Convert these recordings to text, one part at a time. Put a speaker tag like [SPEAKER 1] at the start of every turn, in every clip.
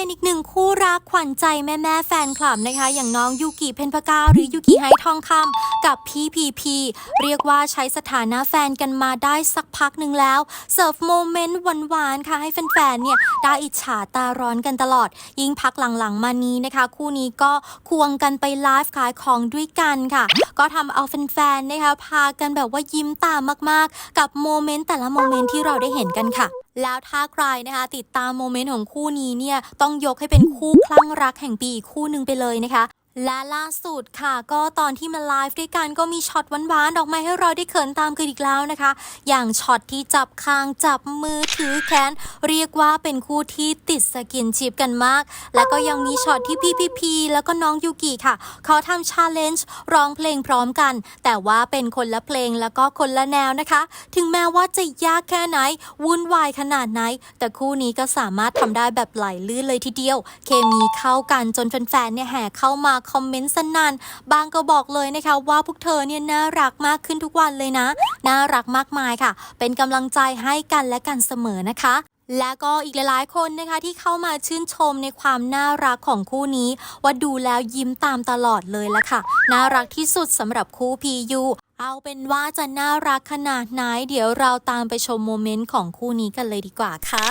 [SPEAKER 1] เป็นอีกหนึ่งคู่รักขวัญใจแม่แฟนคลับนะคะอย่างน้องยูกิเพ็ญปกาหรือยูกิไฮทองคำกับพี่พีเรียกว่าใช้สถานะแฟนกันมาได้สักพักหนึ่งแล้วเสิร์ฟโมเมนต์หวานๆค่ะให้แฟนๆเนี่ยได้อิจฉาตาร้อนกันตลอดยิ่งพักหลังๆมานี้นะคะคู่นี้ก็ควงกันไปไลฟ์ขายของด้วยกันค่ะก็ทำเอาแฟนๆนะคะพากันแบบว่ายิ้มตามมากๆกับโมเมนต์แต่ละโมเมนต์ที่เราได้เห็นกันค่ะแล้วถ้าใครนะคะติดตามโมเมนต์ของคู่นี้เนี่ยต้องยกให้เป็นคู่คลั่งรักแห่งปีอีกคู่หนึ่งไปเลยนะคะและล่าสุดค่ะก็ตอนที่มาไลฟ์ด้วยกันก็มีช็อตหวานๆออกมาให้เราได้เขินตามกันอีกแล้วนะคะอย่างช็อตที่จับคางจับมือถือแขนเรียกว่าเป็นคู่ที่ติดสกินชิปกันมากและก็ยังมีช็อตที่พี่แล้วก็น้องยูกิค่ะเขาทำชาเลนจ์ร้องเพลงพร้อมกันแต่ว่าเป็นคนละเพลงแล้วก็คนละแนวนะคะถึงแม้ว่าจะยากแค่ไหนวุ่นวายขนาดไหนแต่คู่นี้ก็สามารถทำได้แบบไหลลื่นเลยทีเดียวเคมีเข้ากันจนแฟนๆเนี่ยแห่เข้ามาคอมเมนต์สนั่นบางก็บอกเลยนะคะว่าพวกเธอเนี่ยน่ารักมากขึ้นทุกวันเลยนะน่ารักมากมายค่ะเป็นกำลังใจให้กันและกันเสมอนะคะและก็อีกหลายๆคนนะคะที่เข้ามาชื่นชมในความน่ารักของคู่นี้ว่าดูแล้วยิ้มตามตลอดเลยละค่ะน่ารักที่สุดสำหรับคู่พียูเอาเป็นว่าจะน่ารักขนาดไหนเดี๋ยวเราตามไปชมโมเมนต์ของคู่นี้กันเลยดีกว่าค่ะ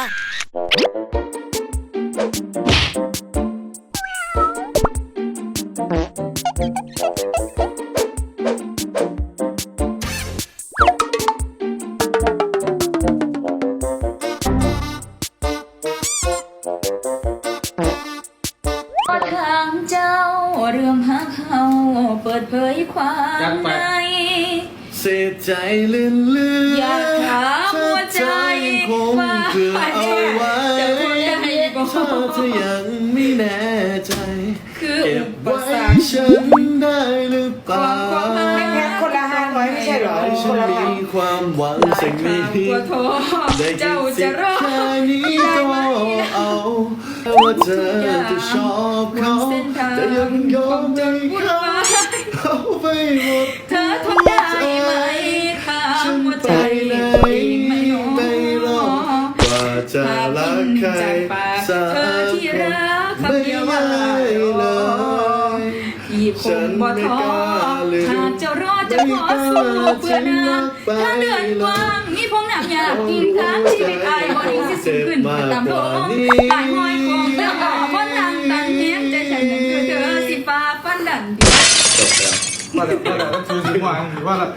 [SPEAKER 2] ทางเจ้าเรื่องหักเฮาเปิดเผยความใน
[SPEAKER 3] เสียใจลื่น
[SPEAKER 2] อยากถามหัวใจว่าเพื่อเอาไว้
[SPEAKER 3] ถ้ายังไม่แน่ใจ
[SPEAKER 2] คือ
[SPEAKER 3] เก็บไว้ฉันได้หรือเปล่า
[SPEAKER 4] แค่คนละ500ไม่ใช่หรอคนละพัน
[SPEAKER 3] มีความหวังสิ่งนี้ได้
[SPEAKER 2] เจ้าจะรอด
[SPEAKER 3] แค่นี้ก็เอาว่าเธอจะชอบเขาแต่ยังยอมให้เขาไปหมด
[SPEAKER 2] เธอทนได้ไหมข้าหัวใจไม่รอ
[SPEAKER 3] ว่าจะรักใครสักคนไม่ได้เลย
[SPEAKER 2] ที่คงบ่ท้อหากจะรอดจะขอสู้เพื่อนางถ้าเดินกว้างมีพงหนักอยากกินทางชีวิตอายบ่ดิ้งสิสูงขึ้นตามโลกตายห้อยคงแล้วก็บ่นั่งตันเนี้ยใจฉันนั้นคือเธอสิฟ้าฟันดันดี
[SPEAKER 5] ว่าแล้วคือถึงวางว่าแล้ว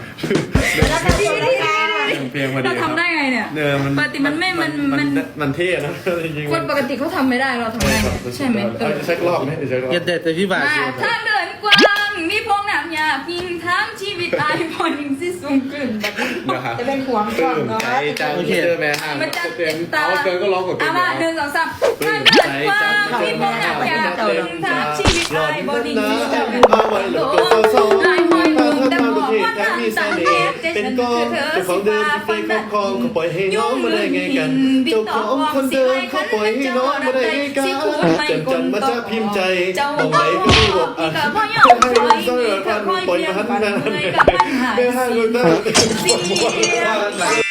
[SPEAKER 3] เพลงมาดี
[SPEAKER 2] เราทำได้ไงเนี่ยปกติ
[SPEAKER 3] มันเท่นะ
[SPEAKER 2] คนปกติเขาทำไม่ได้เราทำได้ใช่ไหม
[SPEAKER 3] เช็ครอบไหมเช็ครอบ
[SPEAKER 5] อย่าเด็ดแต่พี่บ่าว
[SPEAKER 2] ถ้าเดินกว้างมีพงหนักอยากกินทางชีวิตอายบ่ดิ้งสิสูงขึ้นแบบ
[SPEAKER 4] จะเป็นห่วงก่อนเนาะ
[SPEAKER 3] โอเคแม่ห้าง
[SPEAKER 2] มันจะ
[SPEAKER 3] เต็มเอาเกินก็ร้องกดเต็ม
[SPEAKER 2] มา1 2 3ถ้าเดินกว้างมีพงหนักอยากกินทางชีวิตอายบ่ดิ้งสิสูงขึ้นลายห้อยมุมแต่บอกว่าทางต่างเทพ
[SPEAKER 3] เป็นกองเป็นของเดิมที่เป็นครอบครองเขาปล่อยให้น้องมาได้ไงกันเจ้าของคนเดิมเขาปล่อยให้น้องมาได้ไงกันจันมาจะพิมพ์ใจตรงไหนก็ไม่บอกอ่ะให้มันสร้อยพันปล่อยมาหันไม่ให้คนตั้ง